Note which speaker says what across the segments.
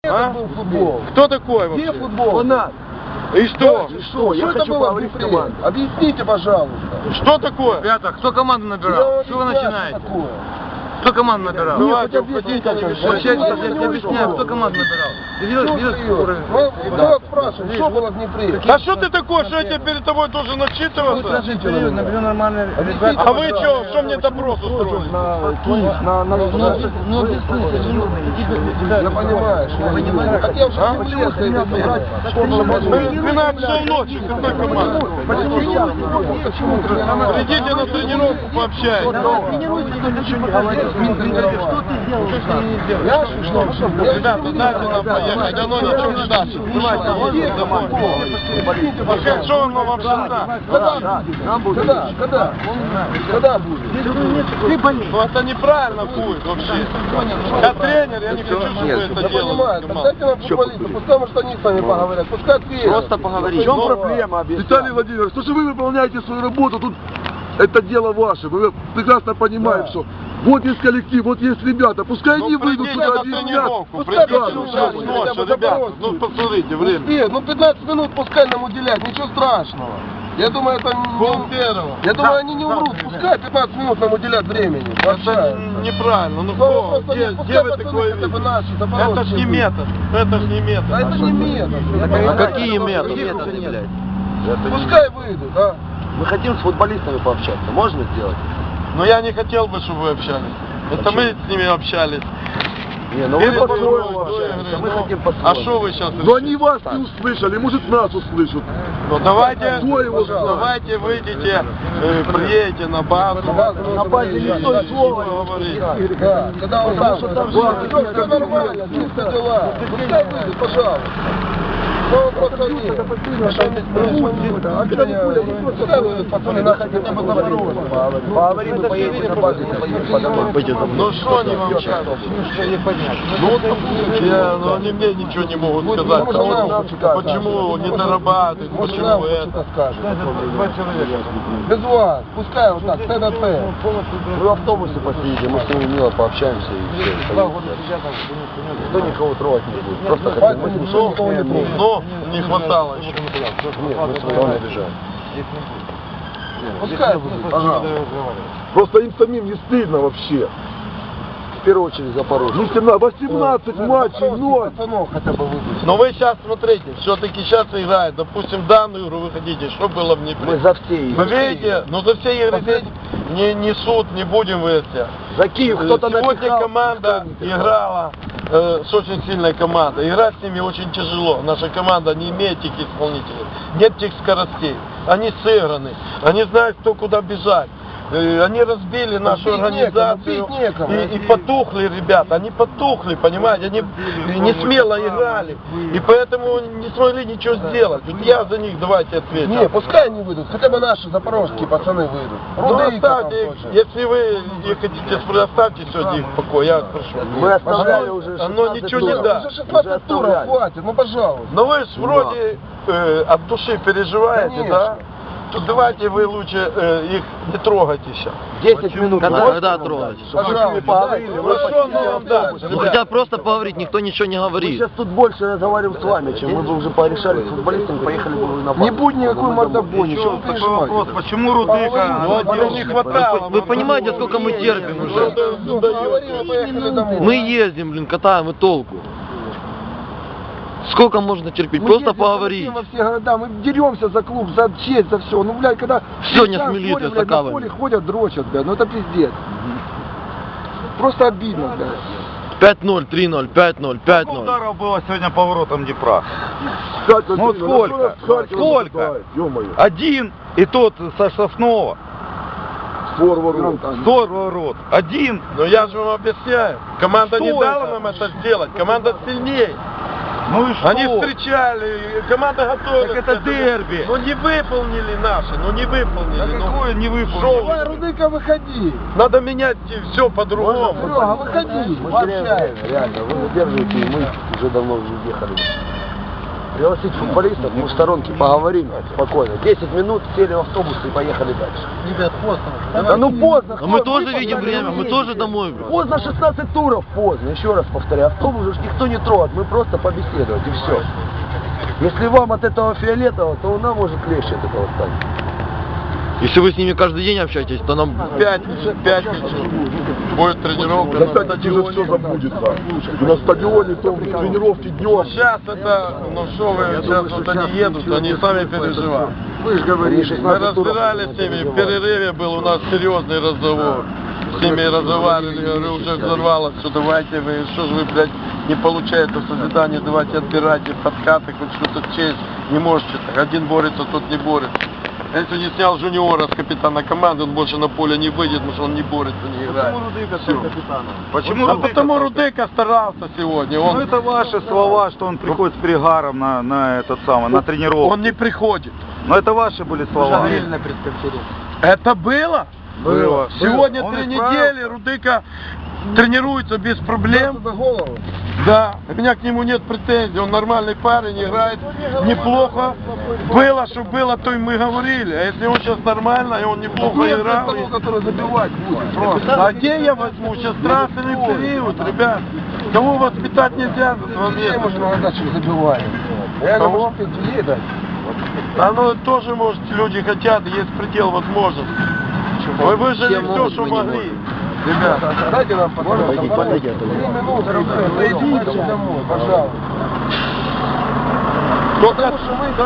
Speaker 1: это был футбол?
Speaker 2: Кто такой вообще?
Speaker 1: Где футбол? У нас.
Speaker 2: И что?
Speaker 1: Что это было в Днепре? Объясните, пожалуйста.
Speaker 2: Что такое?
Speaker 3: Ребята, кто команду набирал? Что вы начинаете? Кто команду набирал?
Speaker 2: Давайте, уходите,
Speaker 3: Я тебе объясняю, кто команду набирал.
Speaker 1: Кто спрашивает, что было в Днепре?
Speaker 2: А что ты такой, что я тебе перед тобой должен начитываться?
Speaker 3: Наберу нормально.
Speaker 2: А вы что мне допрос устроили?
Speaker 1: Я понимаю, что вы понимаете. Так я уже в Днепре.
Speaker 2: 12 часов ночи, какой команды? Идите на тренировку, пообщайтесь. Ребята, дайте нам поехать, оно ничего не даст. Давайте, домой. Пока что оно вообще даст?
Speaker 1: Когда будет?
Speaker 2: Ну это неправильно будет вообще. Я тренер, я не хочу, чтобы вы это делали.
Speaker 1: Дайте нам футболистов, пускай может они с вами поговорят, пускай ответят.
Speaker 3: Просто поговорить.
Speaker 1: В чем проблема?
Speaker 4: Виталий Владимирович, то, что вы выполняете свою работу, тут это дело ваше. Вы прекрасно понимаете, что вот есть коллектив, вот есть ребята, пускай они выйдут сюда, объяснят.
Speaker 1: Пускай
Speaker 2: сейчас ночью, ребята, ну посмотрите, время.
Speaker 1: Ну 15 минут пускай нам уделять, ничего страшного. Я думаю, это я думаю, они не умрут, пускай 15 минут нам уделят времени.
Speaker 2: Это неправильно, ну кто? Где вы такое видите? Это ж не метод, это ж не метод.
Speaker 1: Это не метод.
Speaker 3: А какие методы, блядь?
Speaker 1: Пускай выйдут, а?
Speaker 3: Мы хотим с футболистами пообщаться, можно сделать?
Speaker 2: Но я не хотел бы, чтобы вы общались. Это мы с ними общались.
Speaker 4: Не, ну вы по-своему
Speaker 3: мы хотим по-своему.
Speaker 2: А что вы сейчас?
Speaker 4: Но они вас не услышали, может нас услышат.
Speaker 2: Ну давайте,
Speaker 4: Кто его знает?
Speaker 2: давайте выйдите, приедете на базу.
Speaker 4: На базе никто и слова не
Speaker 2: говорит.
Speaker 1: Да, когда он там, все нормально, чисто дела. Пускай выйдут, пожалуйста. Ну, просто нет. Пацаны, нас хотя бы Запорожье.
Speaker 3: Поговорим, мы поедем на базу,
Speaker 2: Ну что они вам сейчас? Ну они мне ничего не могут сказать. Почему не дорабатывают, почему это?
Speaker 1: Без вас, пускай вот так, ТДТ.
Speaker 3: Мы в автобусе посидим, мы с ними мило пообщаемся и все. Никто никого трогать не будет. Просто хотим, мы
Speaker 1: никто никого не трогает.
Speaker 2: Но не хватало еще.
Speaker 3: Нет, мы своего не обижаем.
Speaker 1: Пускай выйдут, пожалуйста.
Speaker 4: Просто им самим не стыдно вообще.
Speaker 3: В первую очередь Запорожье.
Speaker 4: Ну 18 матчей, 0.
Speaker 1: Хотя бы выйдут.
Speaker 2: Но вы сейчас смотрите, все-таки сейчас играет, допустим, данную игру вы хотите, что было в Днепре?
Speaker 3: Мы за все игры.
Speaker 2: Вы видите, но за все игры здесь не суд, не будем выяснять.
Speaker 3: За Киев кто-то
Speaker 2: Сегодня
Speaker 3: написал,
Speaker 2: команда играла с очень сильной командой. Играть с ними очень тяжело. Наша команда не имеет тех исполнителей, нет тех скоростей. Они сыграны, они знают, кто куда бежать. Они разбили нашу организацию и потухли, ребята, они потухли, понимаете, они не смело играли, и поэтому не смогли ничего сделать. Вот я за них давайте отвечу.
Speaker 1: Не, пускай они выйдут, хотя бы наши запорожские пацаны выйдут.
Speaker 2: Ну оставьте их, если вы их хотите, оставьте сегодня их в покое, я прошу.
Speaker 3: Мы оставляли уже 16
Speaker 2: Оно ничего не даст.
Speaker 1: Уже 16 туров хватит, ну пожалуйста.
Speaker 2: Но вы же вроде от души переживаете,
Speaker 1: конечно.
Speaker 2: да? То давайте вы лучше их не трогайте сейчас.
Speaker 3: 10 минут. Когда трогать?
Speaker 1: Пожалуйста,
Speaker 3: поговорили.
Speaker 2: Ну что он вам даст?
Speaker 3: Ну хотят просто поговорить, никто ничего не говорит. Мы сейчас тут больше разговариваем с вами, чем мы бы уже порешали с футболистами, поехали бы на базу.
Speaker 1: Не будет никакой мордобони, что вы переживаете?
Speaker 2: Почему Рудыка? Ну, не хватало.
Speaker 3: Вы понимаете, сколько мы терпим уже?
Speaker 1: Поговорили, поехали домой.
Speaker 3: Мы ездим, блин, катаем и толку. Сколько можно терпеть? Просто поговорить.
Speaker 1: Мы во все города, мы деремся за клуб, за честь, за все. Ну, блядь, когда
Speaker 3: все не смелит,
Speaker 1: блядь, на поле ходят, дрочат, блядь, ну это пиздец. Просто обидно, блядь.
Speaker 3: 5-0, 3-0, 5-0, 5-0.
Speaker 5: Ударов было сегодня поворотом Днепра.
Speaker 4: Ну
Speaker 5: сколько? Сколько? Один, и тот со Соснова. Створ ворот. Один.
Speaker 2: Но я же вам объясняю. Команда не дала нам это сделать. Команда сильнее.
Speaker 5: Ну и что?
Speaker 2: Они встречали, команда готовилась.
Speaker 5: Так это дерби.
Speaker 2: Ну не выполнили наши, ну не выполнили.
Speaker 5: Да какое не выполнили?
Speaker 1: Давай, Рудыка, выходи.
Speaker 2: Надо менять все по-другому.
Speaker 1: Серега, выходи.
Speaker 3: Мы теряем время, реально. Вы удерживаете, и мы уже давно уже ехали. пригласить футболистов, мы в сторонке поговорим спокойно. 10 минут, сели в автобус и поехали дальше.
Speaker 2: Ребят, поздно.
Speaker 3: Да ну поздно.
Speaker 5: А мы тоже видим время, мы тоже домой.
Speaker 3: Поздно 16 туров, поздно. Еще раз повторяю, автобус уж никто не трогает, мы просто побеседовать и все. Если вам от этого фиолетово, то нам может легче от этого стать.
Speaker 5: Если вы с ними каждый день общаетесь, то нам...
Speaker 2: Пятницу будет тренировка
Speaker 4: На
Speaker 2: на
Speaker 4: пятницу уже все
Speaker 2: стадионе.
Speaker 4: забудется. И на стадионе, то тренировки днем.
Speaker 2: Сейчас это, ну что вы, сейчас вот они едут, они сами переживают.
Speaker 3: Вы же говорите,
Speaker 2: Мы разбирались с ними, в перерыве был у нас серьезный разговор. С ними разговаривали, я говорю, уже взорвалось, что давайте вы, что же вы, блядь, не получаете созидание, давайте отбирайте подкаты, хоть что-то честь, не можете так, один борется, тот не борется. Если не снял жуниора с капитана команды, он больше на поле не выйдет, потому что он не борется, не играет.
Speaker 5: Почему Рудыка
Speaker 2: Всё.
Speaker 5: стал капитаном?
Speaker 2: Почему? А потому Рудыка старался сегодня. Он,
Speaker 5: Ну это ваши слова, что он приходит с перегаром на этот самый, на тренировку.
Speaker 2: он не приходит.
Speaker 5: Но это ваши были слова.
Speaker 2: Это было?
Speaker 5: Было.
Speaker 2: Сегодня
Speaker 5: Он
Speaker 2: 3
Speaker 5: исправился.
Speaker 2: недели Рудыка тренируется без проблем.
Speaker 1: За голову.
Speaker 2: Да, у меня к нему нет претензий, он нормальный парень, играет неплохо. Было, что было, то и мы говорили. А если он сейчас нормально, и он неплохо играл.
Speaker 1: того, который забивать будет. Просто.
Speaker 2: А где я возьму? Сейчас трансферный период, ребят. Кого воспитать нельзя за 2
Speaker 1: Все
Speaker 2: месяца?
Speaker 1: можно задачу забивать. Я
Speaker 2: Кого?
Speaker 1: говорю, что ты дать.
Speaker 2: А ну тоже, может, люди хотят, есть предел возможностей. Вы выжили все, что могли.
Speaker 1: Ребята, дайте нам пожалуйста,
Speaker 3: Пойди, подойди, а то
Speaker 1: 3 минуты, зайдите домой, пожалуйста.
Speaker 2: Только
Speaker 1: Потому что мы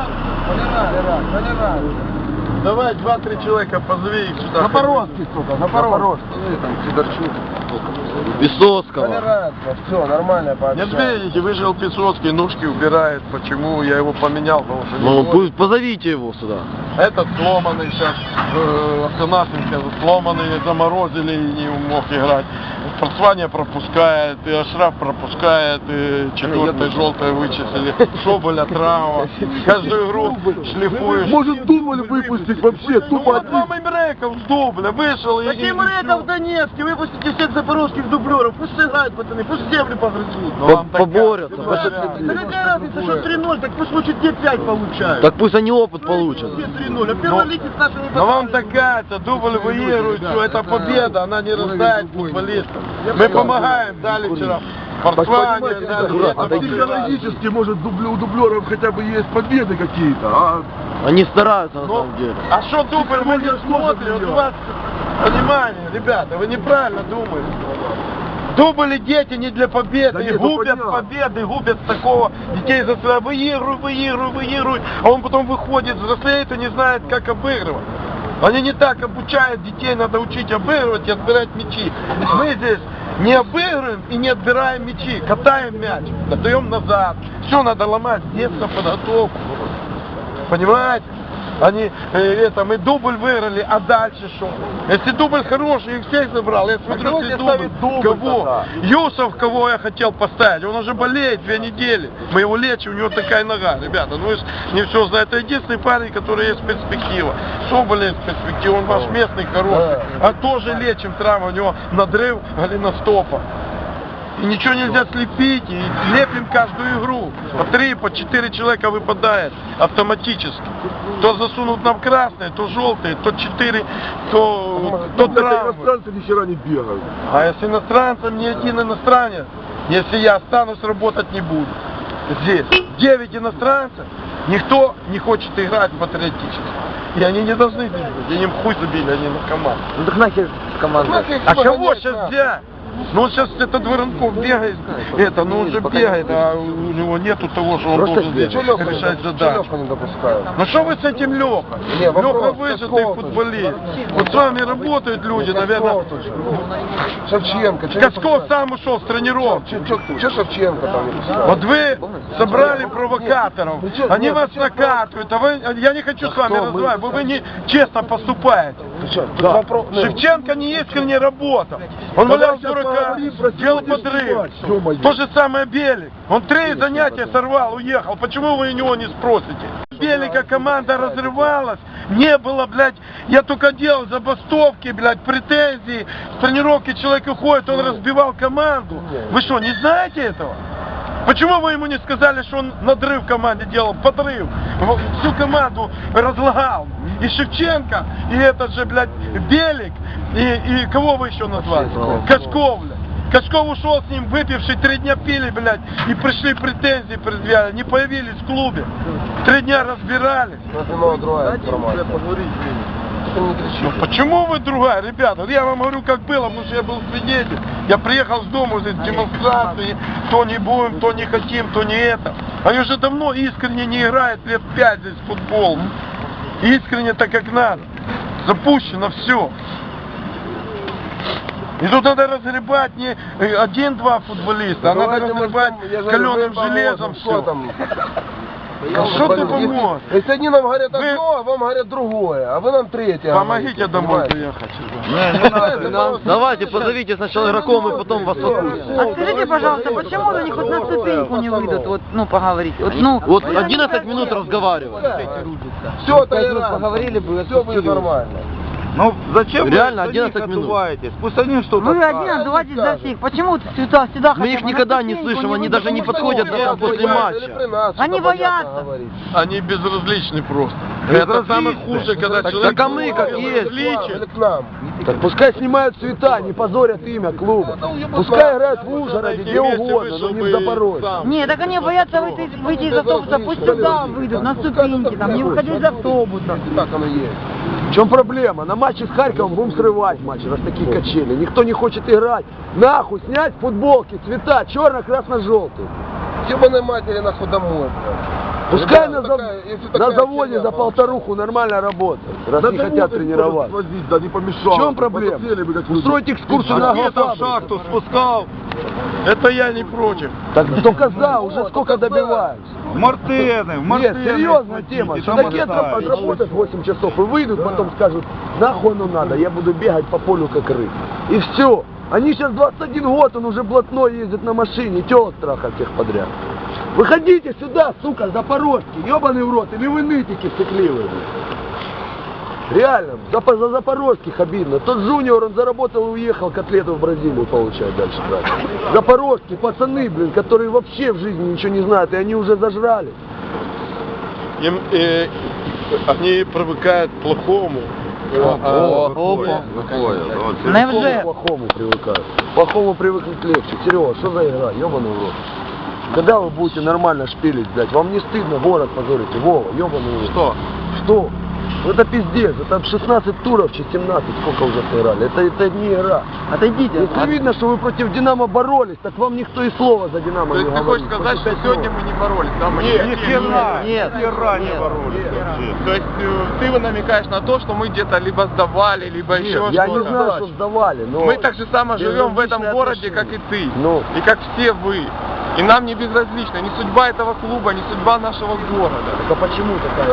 Speaker 1: толерант.
Speaker 2: давай 2-3 человека позови их сюда.
Speaker 1: Запорожский, сука, Запорожский. Там Сидорчук.
Speaker 5: Висоцкого.
Speaker 1: Толерантно, все, нормально
Speaker 2: Нет,
Speaker 1: пообщаемся.
Speaker 2: видите, выжил Песоцкий, ножки убирает. Почему? Я его поменял, потому что
Speaker 5: Ну
Speaker 2: не
Speaker 5: пусть позовите его сюда.
Speaker 2: Этот сломанный сейчас, Афанасенко сломанный, заморозили и не мог играть. Спортсвания пропускает, и Ашраф пропускает, и 4-й желтое вычислили. Соболя травма. Каждую игру шлифуешь.
Speaker 4: Может дубль выпустить вообще,
Speaker 2: Ну
Speaker 4: тупо
Speaker 2: вот
Speaker 4: один.
Speaker 2: вам и Мреков с дубля вышел и...
Speaker 6: Какие Мреков в Донецке? Выпустите всех запорожских дублеров, пусть играют, пацаны, пусть землю погрызут.
Speaker 2: Ну, вам такая-
Speaker 5: Поборются.
Speaker 6: Да какая разница, что 3-0, так пусть лучше те 5 получают.
Speaker 5: Так пусть они опыт получат.
Speaker 6: Те 3-0, а первый лиги с нашими
Speaker 2: Но вам
Speaker 6: пацанами.
Speaker 2: такая-то, дубль выигрывает, все, это победа, она не рождает футболистов. Мы помогаем, дали вчера спортсване,
Speaker 4: Понимаете,
Speaker 2: дали
Speaker 4: а психологически, может, у дублеров хотя бы есть победы какие-то, а
Speaker 5: Они стараются на
Speaker 2: Ну,
Speaker 5: самом деле.
Speaker 2: а что дубль мы не смотрим? Вот у вас, понимание, ребята, вы неправильно думаете. Дубли дети не для победы,
Speaker 4: Да
Speaker 2: и
Speaker 4: нет, ну
Speaker 2: губят
Speaker 4: понятно.
Speaker 2: победы, губят такого детей за себя. Выигрывай, а он потом выходит, взрослеет и не знает, как обыгрывать. Они не так обучают детей, надо учить обыгрывать и отбирать мячи. Мы здесь не обыгрываем и не отбираем мячи, катаем мяч, отдаем назад. Все надо ломать, детство, подготовку. Понимаете? Они, мы дубль выиграли, а дальше что? Если дубль хороший, их всех забрал, я смотрю,
Speaker 1: кого
Speaker 2: если
Speaker 1: тебе ставить дубль
Speaker 2: кого?
Speaker 1: тогда?
Speaker 2: Юсов, кого я хотел поставить, он уже болеет 2 недели. Мы его лечим, у него такая нога, ребята, ну вы ж не все знаете. Это единственный парень, который есть перспектива. Соболь есть перспектива, он ваш местный хороший. А тоже лечим травму, у него надрыв голеностопа. И ничего нельзя слепить, и лепим каждую игру. По 3, по 4 человека выпадает автоматически. То засунут нам красные, то желтые, то 4, то
Speaker 4: тут
Speaker 2: травмы.
Speaker 4: иностранцы ни хера не бегают.
Speaker 2: А если иностранцам ни один иностранец, если я останусь, работать не буду. Здесь 9 иностранцев, никто не хочет играть патриотически. И они не должны бежать, они им хуй забили, они на команду.
Speaker 3: Ну так нахер команда.
Speaker 2: А кого сейчас взять? Ну он сейчас этот Воронков бегает, ну он же бегает, а у него нету того, что он
Speaker 3: Просто
Speaker 2: должен
Speaker 3: бегает.
Speaker 2: решать задачу.
Speaker 1: Лёха не допускают.
Speaker 2: Ну что вы с этим Леха?
Speaker 1: Не, вопрос,
Speaker 2: Леха выжатый
Speaker 1: Каскова
Speaker 2: футболист. Вот с вами работают люди, наверное.
Speaker 1: Шевченко.
Speaker 2: Касков сам ушел с тренировки.
Speaker 1: Че Шевченко там не пускают?
Speaker 2: Вот вы собрали провокаторов, они вас накатывают, а вы, я не хочу с вами разговаривать, вы не честно поступаете. Шевченко не искренне работал. Он валял дурака, делал подрыв. То же самое Белик. Он 3 занятия сорвал, уехал. Почему вы у него не спросите? Белика команда разрывалась, не было, блядь, я только делал забастовки, блядь, претензии, с тренировки человек уходит, он разбивал команду. Вы что, не знаете этого? Почему вы ему не сказали, что он надрыв в команде делал, подрыв? Всю команду разлагал. И Шевченко, и этот же, блядь, Белик, и кого вы еще назвали? Кашков, блядь. Кашков ушел с ним, выпивший, 3 дня пили, блядь, и пришли претензии предъявляли, не появились в клубе. 3 дня разбирались. Ну почему вы другая, ребята? Я вам говорю, как было, потому что я был свидетель. Я приехал с дома, здесь демонстрации, то не будем, то не хотим, то не это. Они уже давно искренне не играют, лет 5 здесь в футбол. Искренне так, как надо. Запущено все. И тут надо разгребать не 1-2 футболиста, а надо разгребать каленым железом все. Что ты поможешь?
Speaker 1: Если они нам говорят одно, а вам говорят другое, а вы нам третье.
Speaker 2: Помогите домой приехать.
Speaker 3: Давайте, позовите сначала игроков, и потом вас отпустим.
Speaker 7: А скажите, пожалуйста, почему они хоть на ступеньку не выйдут, вот, ну, поговорить? Вот, ну,
Speaker 3: Вот 11 минут разговаривали.
Speaker 1: Все, толерантно.
Speaker 3: Поговорили бы,
Speaker 1: Все будет нормально.
Speaker 5: Ну зачем
Speaker 3: Реально,
Speaker 5: вы за них
Speaker 3: 11 минут.
Speaker 5: отдуваетесь? Пусть они что-то
Speaker 7: вы
Speaker 5: скажут.
Speaker 7: один отдувайтесь за всех. Почему сюда
Speaker 3: Мы
Speaker 7: хотя
Speaker 3: их
Speaker 7: бы на
Speaker 3: никогда не
Speaker 7: ступеньку
Speaker 3: слышим, они
Speaker 7: выйдут?
Speaker 3: даже не подходят даже после матча.
Speaker 7: Они боятся.
Speaker 2: Они безразличны просто. Это самое худшее, когда человек...
Speaker 3: Так а мы как есть.
Speaker 1: Или к нам.
Speaker 3: Так пускай снимают цвета, не позорят имя клуба. Пускай играют в Ужгороде, где угодно, но не в Запорожье.
Speaker 7: Нет, так они боятся выйти из автобуса, пусть сюда выйдут, на ступеньки, там, не выходить из автобуса.
Speaker 1: Так оно есть.
Speaker 3: В чем проблема? На матче с Харьковом будем срывать матч, раз такие качели. Никто не хочет играть. Нахуй снять футболки, цвета, черно-красно-желтый.
Speaker 1: Ебаной матери нахуй домой, блядь.
Speaker 3: Пускай
Speaker 1: Ребята, если
Speaker 3: на
Speaker 1: такая
Speaker 3: заводе
Speaker 1: херня,
Speaker 3: за полторуху нормально работают, раз
Speaker 4: Да
Speaker 3: не
Speaker 4: да
Speaker 3: хотят
Speaker 4: вот
Speaker 3: тренировать.
Speaker 4: возить, да не помешало.
Speaker 3: В чем проблема?
Speaker 4: Посмотрели бы, как вы-
Speaker 3: Устроить экскурсию на
Speaker 5: Там
Speaker 3: агрофабрику.
Speaker 5: шахту спускал.
Speaker 2: Это я не против.
Speaker 3: Так только за, уже сколько добиваются.
Speaker 5: В Мартены, в Мартены.
Speaker 3: Нет, серьезная тема.
Speaker 5: И там
Speaker 3: Судаки
Speaker 5: оставить.
Speaker 3: отработают 8 часов и выйдут, потом скажут, нахуй оно надо, я буду бегать по полю как рыб. И все. Они сейчас 21 год, он уже блатной ездит на машине, тёлок трахать всех подряд. Выходите сюда, сука, запорожский, ебаный в рот, или вы нытики стыкливые. Реально, за запорожских обидно. Тот Жуниор, он заработал и уехал, котлету в Бразилию получает дальше. Брать. Запорожские пацаны, блин, которые вообще в жизни ничего не знают, и они уже зажрались.
Speaker 2: Они привыкают к плохому.
Speaker 7: Невже?
Speaker 3: К плохому привыкают. К плохому привыкнуть легче. Серега, что за игра? Ебаный в рот. Когда вы будете нормально шпилить, блядь? Вам не стыдно город позорите? Вова, ебаный в рот.
Speaker 2: Что?
Speaker 3: Что? Ну это пиздец, это 16 туров, 17, сколько уже сыграли. Это не игра.
Speaker 7: Отойдите.
Speaker 3: Если видно, что вы против Динамо боролись, так вам никто и слова за Динамо
Speaker 2: То
Speaker 3: не
Speaker 2: есть ты
Speaker 3: говорит.
Speaker 2: хочешь сказать, что сегодня мы не боролись, да? Мы
Speaker 5: Ни хера,
Speaker 3: Нет,
Speaker 5: ни хера не
Speaker 3: нет,
Speaker 5: боролись вообще.
Speaker 2: То есть ты намекаешь на то, что мы где-то либо сдавали, либо еще что-то.
Speaker 3: Я не знаю, что сдавали, но...
Speaker 2: Мы так же само живем в этом
Speaker 3: безразличное
Speaker 2: городе,
Speaker 3: отношение.
Speaker 2: как и ты.
Speaker 3: Ну.
Speaker 2: И как все вы. И нам не безразлично ни судьба этого клуба, ни судьба нашего города.
Speaker 3: Так а почему такая?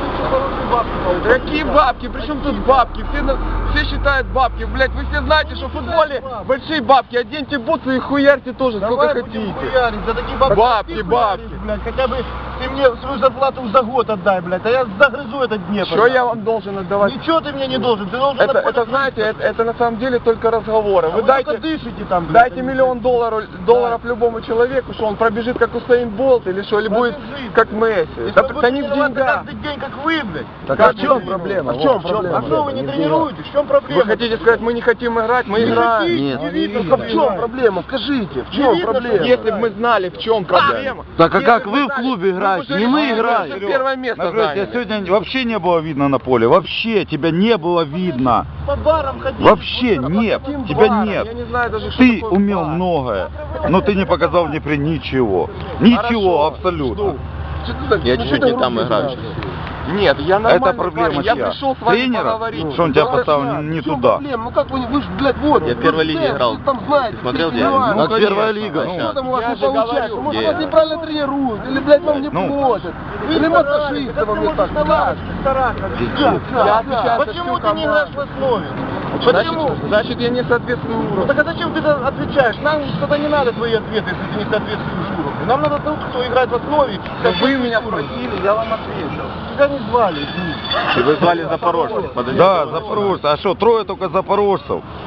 Speaker 2: Какие бабки? Причем тут бабки? Все считают бабки. Блять, вы все знаете, что в футболе большие бабки. Оденьте бутсы и хуярьте тоже, сколько хотите.
Speaker 6: За такие бабки.
Speaker 2: Бабки,
Speaker 6: ты
Speaker 2: бабки.
Speaker 6: хуяришь, блядь. Хотя бы ты мне свою зарплату за год отдай, блядь, а я загрызу этот Днепр.
Speaker 2: Что я вам должен отдавать?
Speaker 6: Ничего ты мне не должен, ты должен...
Speaker 2: Это знаете, это на самом деле только разговоры. Вы
Speaker 6: только
Speaker 2: дайте,
Speaker 6: дышите там, блядь.
Speaker 2: дайте $1 миллион долларов любому человеку, что он пробежит как Усейн Болт или что, или будет как Месси. Да не в деньгах.
Speaker 6: Каждый день, как вы, блядь.
Speaker 3: Так а в чем проблема?
Speaker 6: А в чем
Speaker 3: Вов,
Speaker 6: проблема? А что вы не
Speaker 3: в
Speaker 6: тренируетесь? В чем проблема?
Speaker 2: Вы хотите сказать, мы не хотим играть, мы играем?
Speaker 3: Нет.
Speaker 6: Не видно,
Speaker 1: Ну, в чем проблема? Скажите, в чем
Speaker 6: видно,
Speaker 1: проблема?
Speaker 2: Если бы мы знали, в чем проблема.
Speaker 3: Так а
Speaker 2: Если
Speaker 3: как
Speaker 2: бы
Speaker 3: вы
Speaker 2: мы
Speaker 3: в
Speaker 2: знали,
Speaker 3: клубе играете? Не мы играем.
Speaker 2: Первое место
Speaker 5: Смотрите,
Speaker 2: заняли.
Speaker 5: сегодня вообще не было видно на поле. Вообще тебя не было видно.
Speaker 6: По барам ходить.
Speaker 5: Вообще нет.
Speaker 2: Каким
Speaker 5: Тебя
Speaker 2: баром?
Speaker 5: нет.
Speaker 2: Я не знаю даже, что
Speaker 5: Ты
Speaker 2: такое
Speaker 5: умел
Speaker 2: бар.
Speaker 5: многое, но ты не показал мне при ничего. Ничего абсолютно.
Speaker 1: Я чуть-чуть не там играю.
Speaker 2: Нет, я нормально.
Speaker 5: Это проблема
Speaker 2: парень, я
Speaker 5: чья?
Speaker 2: пришел с вами
Speaker 5: Тренера?
Speaker 2: поговорить.
Speaker 5: Что он тебя
Speaker 2: Ну,
Speaker 5: поставил не
Speaker 1: В чем
Speaker 5: туда?
Speaker 1: проблема? Ну как вы же, блядь, вот.
Speaker 8: Я в первой лиге играл.
Speaker 1: Вы там знаете.
Speaker 8: Смотрел
Speaker 1: все
Speaker 8: тебя?
Speaker 1: нюансы.
Speaker 8: Ну,
Speaker 3: Как первая лига.
Speaker 1: А что там у вас
Speaker 2: Я
Speaker 1: не
Speaker 2: же
Speaker 1: получается?
Speaker 2: говорю,
Speaker 1: Может,
Speaker 8: я-
Speaker 1: вас неправильно тренируют, или, блядь, вам не
Speaker 5: Ну.
Speaker 1: платят, или массажисты вам не так. Как?
Speaker 2: Я отвечаю за
Speaker 6: Почему
Speaker 2: всю
Speaker 6: ты не играешь в
Speaker 2: команду.
Speaker 6: основе? Почему?
Speaker 2: Значит, я не соответствую
Speaker 6: Ну
Speaker 2: уровню.
Speaker 6: так а зачем ты отвечаешь? Нам что-то не надо твои ответы, если ты не соответствуешь уровню. Нам надо тот, кто играет в основе.
Speaker 2: Но вы меня спросили, я вам ответил.
Speaker 6: Тебя не звали, извини.
Speaker 8: И вы звали запорожцев. Подожди.
Speaker 5: Да, запорожцы. А что, трое только запорожцев.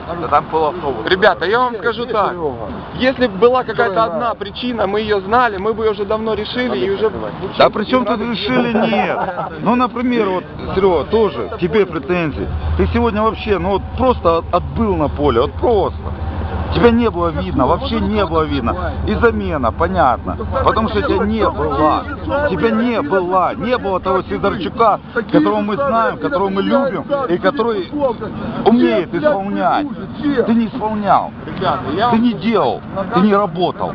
Speaker 5: Да там полавтобус.
Speaker 8: Ребята, я вам скажу так. Если бы была какая-то одна причина, мы ее знали, мы бы ее уже давно решили и уже...
Speaker 5: Да при чем тут решили нет? Ну, например, вот, Серега, тоже тебе претензии. Ты сегодня вообще, ну вот просто отбыл на поле, вот просто. Тебя не было видно, вообще не было видно. И замена, понятно. Потому что тебя не было. Тебя не было. Не было того Сидорчука, которого мы знаем, которого мы любим, и который умеет исполнять. Ты не исполнял. Ты не делал. Ты не работал.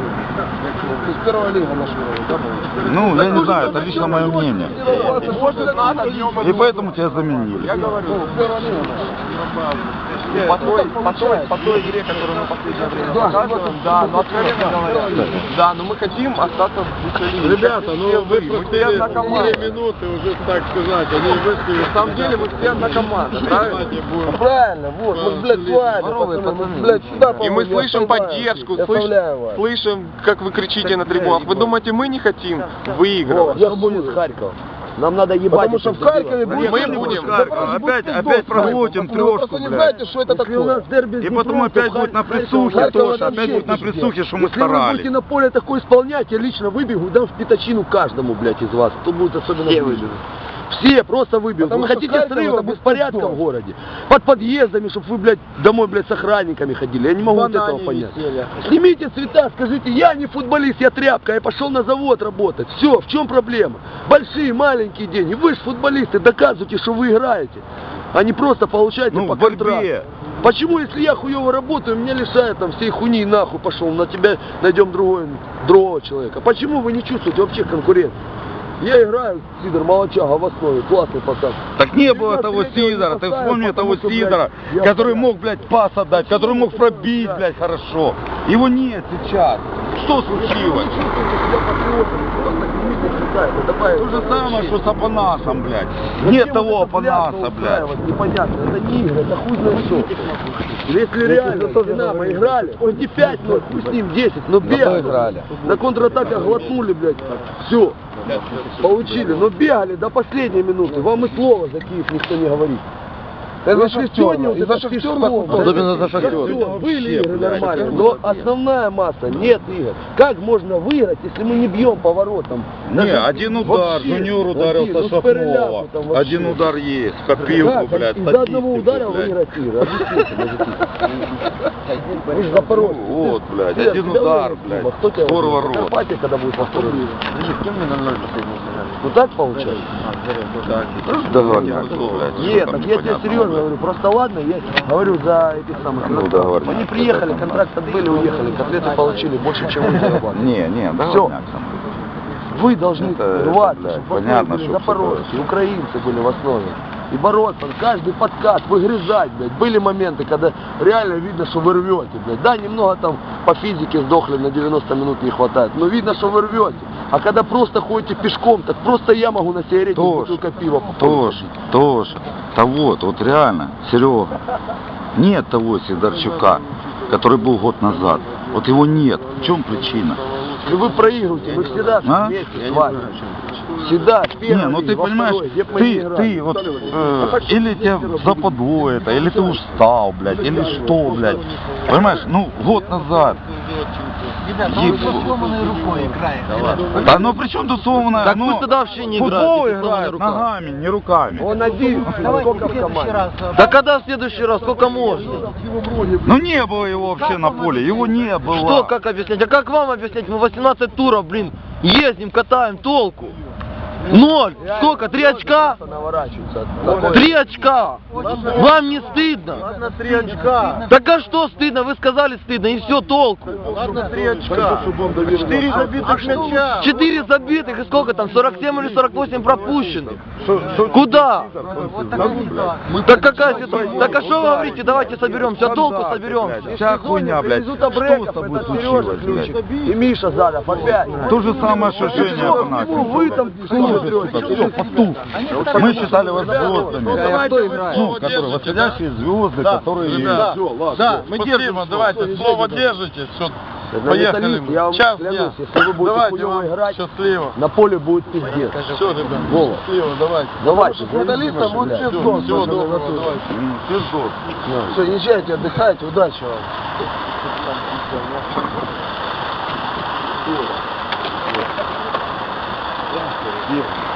Speaker 5: Ну, я не знаю, это лично мое мнение. И поэтому тебя заменили.
Speaker 8: По той игре, которую мы в последнее время показываем, да, но откровенно говоря, да, но мы хотим остаться в Буковине.
Speaker 2: Ребята, ну вы проспели 2 минуты уже, так сказать, они вышли.
Speaker 8: На самом деле мы все одна команда, правильно?
Speaker 1: Правильно, вот, мы, блядь, с вами, пацаны, мы, блядь, сюда,
Speaker 8: И мы
Speaker 1: по-моему,
Speaker 8: слышим поддержку, слышим, как вы кричите на трибунах. Вы думаете, мы не хотим выигрывать?
Speaker 3: Что будет с Харьковом? Нам надо ебать.
Speaker 1: Потому что в Харькове будет...
Speaker 8: Мы будем.
Speaker 5: Опять проглотим трешку,
Speaker 1: Просто не
Speaker 5: блядь.
Speaker 1: знаете, что это такое.
Speaker 5: И потом опять будет на присухе тоже, опять будет на присухе, что мы
Speaker 3: Если вы будете
Speaker 5: старались.
Speaker 3: на поле такое исполнять, я лично выбегу, дам в пятачину каждому, блядь, из вас, кто будет особенно близок. Все просто выбегут.
Speaker 1: Потому
Speaker 3: Вы
Speaker 1: что
Speaker 3: хотите
Speaker 1: Харьков
Speaker 3: срыва,
Speaker 1: это
Speaker 3: беспорядка
Speaker 1: беспредел.
Speaker 3: в городе? Под подъездами, чтобы вы, блядь, домой, блядь, с охранниками ходили. Я не могу вот этого понять. Снимите цвета, скажите, я не футболист, я тряпка, я пошел на завод работать. Все, в чем проблема? Большие, маленькие деньги. Вы же футболисты, доказывайте, что вы играете, а не просто получаете
Speaker 5: Ну,
Speaker 3: по
Speaker 5: в борьбе.
Speaker 3: контракту. Почему, если я хуево работаю, меня лишают там всей хуйни, нахуй пошел, на тебя найдем другого человека? Почему вы не чувствуете вообще конкуренции? Я играю, Сидор Молочага в основе, классный пацан.
Speaker 5: Так не было того Сидора, ты вспомни того Сидора, который мог, блядь, пас отдать, который мог пробить, блядь, хорошо. Его нет сейчас. Что случилось? То же самое, что с Апанасом, блядь. Нет того Апанаса, блядь.
Speaker 3: Непонятно, это не игры, это хуй знает что. Если реально с Динамо играли, хоть и 5-0, хуй с ним 10, но бегали. На контратаках глотнули, блядь, все. Получили, но бегали до последней минуты. Вам и слова за Киев никто не говорит.
Speaker 1: Это сегодня, и за Шахтер,
Speaker 3: особенно за Шахтер. Были игры нормальные, но основная масса нет игр. Как можно выиграть, если мы не бьем по воротам?
Speaker 5: Не, один удар, Жуниор ударил со Шахнова. Один удар есть, копилку, блядь,
Speaker 3: из-за одного удара
Speaker 5: блядь.
Speaker 3: выиграть игры. Объясните, мужики. Вы же Запорожцы.
Speaker 5: Вот, блядь, один удар, блядь, скоро ворот.
Speaker 3: Карпатия, когда будет повторить. Ну так получается?
Speaker 5: Договорняк, блядь.
Speaker 3: Нет, так я тебе серьезно говорю, просто ладно, я говорю за этих самых.
Speaker 5: Ну, договорняк.
Speaker 3: Они приехали, контракт отбыли, уехали, котлеты получили больше, чем вы зарабатывали.
Speaker 5: Не,
Speaker 3: Все.
Speaker 5: договорняк.
Speaker 3: Вы должны
Speaker 5: Это,
Speaker 3: рваться,
Speaker 5: блядь,
Speaker 3: чтобы в основе
Speaker 5: понятно,
Speaker 3: были
Speaker 5: что
Speaker 3: запорожцы,
Speaker 5: всё
Speaker 3: украинцы были в основе. И бороться, каждый подкат, выгрызать, блядь. Были моменты, когда реально видно, что вы рвете, блядь. Да, немного там по физике сдохли, на 90 минут не хватает, но видно, что вы рвете. А когда просто ходите пешком, так просто я могу на сигарету бутылка пива попробовать.
Speaker 5: Тоже. Да вот реально, Серега. Нет того Сидорчука, который был год назад. Вот его нет. В чем причина?
Speaker 3: Если вы проигрываете, вы всегда вместе с вами. Всегда, в первой
Speaker 5: Не, ну
Speaker 3: лиге,
Speaker 5: ты
Speaker 3: во
Speaker 5: понимаешь,
Speaker 3: второй, где бы мы ни играли.
Speaker 5: ты вот, или тебя западло это, или ты устал, блядь, или что, блядь. Понимаешь, ну, год назад.
Speaker 6: сломанной рукой играет.
Speaker 5: Да ну при чем тут сломанная?
Speaker 6: Так
Speaker 5: ну,
Speaker 6: пусть тогда вообще не
Speaker 5: футбол
Speaker 6: играет, если сломанная
Speaker 5: играет
Speaker 6: рука.
Speaker 5: ногами, не руками.
Speaker 3: Он один, сколько в команде.
Speaker 6: Да когда в следующий раз? Сколько можно?
Speaker 5: Ну не было его вообще на поле, его не было.
Speaker 6: Что, как объяснять? А как вам объяснять? Мы 18 туров, блин, ездим, катаем, толку. 0. Сколько? 3 очка? 3 очка. Вам не стыдно?
Speaker 2: Ладно, 3 очка.
Speaker 6: Так а что стыдно? Вы сказали стыдно, и все, толку.
Speaker 2: Ладно, 3 очка. 4 забитых мяча.
Speaker 6: 4 забитых, и сколько там? 47 или 48 пропущенных. Куда? Так какая ситуация? Так а что вы говорите? Давайте соберемся, толку соберемся.
Speaker 5: Вся хуйня, блядь. Что с тобой случилось, блядь?
Speaker 3: И Миша Задов опять.
Speaker 5: То же самое, что Женя Афанасьев.
Speaker 3: Вы там
Speaker 5: Все, потух. Мы считали вас звездами. Ну, которые восходящие звезды, которые...
Speaker 2: Да, мы держим, давайте, слово держите.
Speaker 3: На
Speaker 2: Поехали.
Speaker 3: металлист, я вам
Speaker 2: Час
Speaker 3: клянусь,
Speaker 2: дня.
Speaker 3: если вы будете
Speaker 2: Давайте
Speaker 3: хуёво
Speaker 2: вам
Speaker 3: играть,
Speaker 2: счастливо.
Speaker 3: на поле будет пиздец.
Speaker 2: Все, ребят,
Speaker 3: Вова.
Speaker 2: счастливо, давайте.
Speaker 3: Давайте,
Speaker 1: С металлистом будет
Speaker 3: блядь.
Speaker 1: пиздос.
Speaker 2: Всего
Speaker 1: пацаны,
Speaker 2: доброго,
Speaker 1: готовы.
Speaker 2: давайте.
Speaker 1: Все, езжайте, отдыхайте, удачи вам.
Speaker 5: Где?